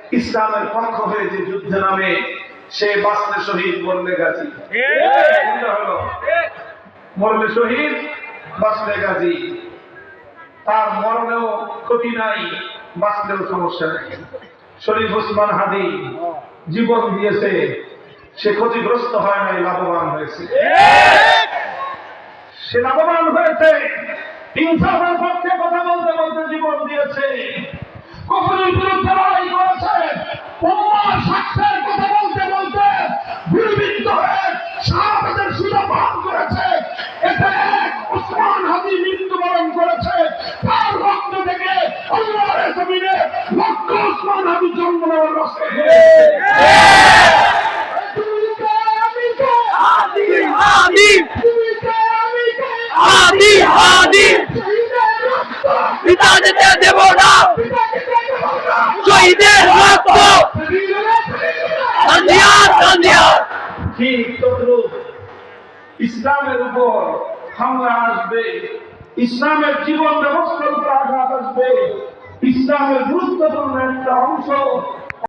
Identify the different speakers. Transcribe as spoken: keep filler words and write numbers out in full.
Speaker 1: ইসলামের পক্ষ হয়ে যে যুদ্ধে নামে সে বাঁচলে শহীদ, মরলে গাজী। হলো মরলে শহীদ, বাঁচলে গাজী। তার মরণেও ক্ষতি নাই, বাঁচলেও সমস্যা নেই। শরীফ ওসমান হাদি জীবন দিয়েছে, সে ক্ষতিগ্রস্ত হয় নাই, লাভবান হয়েছে। সে লাভবান হয়েছে, ইনসাফের পক্ষে কথা বলতে বলতে জীবন দিয়েছে, কুফরের বিরুদ্ধে লড়াই করেছে, উম্মাহর স্বার্থের কথা বলতে বলতে গুলিবিদ্ধ হয়ে শাহাদাতের সুযোগ পান করেছে। এতে এক ওসমান হাদি মৃত্যুবরণ করেছে, তার রক্ত থেকে আল্লাহর জমিনে লক্ষ ওসমান হাদি জন্ম নেওয়ার রসে।
Speaker 2: হাদি হাদি পিতা যেতে দেব না, শহীদের রক্ত সন্ধিয়ার সন্ধিয়ার।
Speaker 1: ঠিক তদ্রুপ ইসলামের উপর হামলা আসবে, ইসলামের জীবন ব্যবস্থার উপর আঘাত আসবে, ইসলামের গুরুত্বপূর্ণ একটা অংশ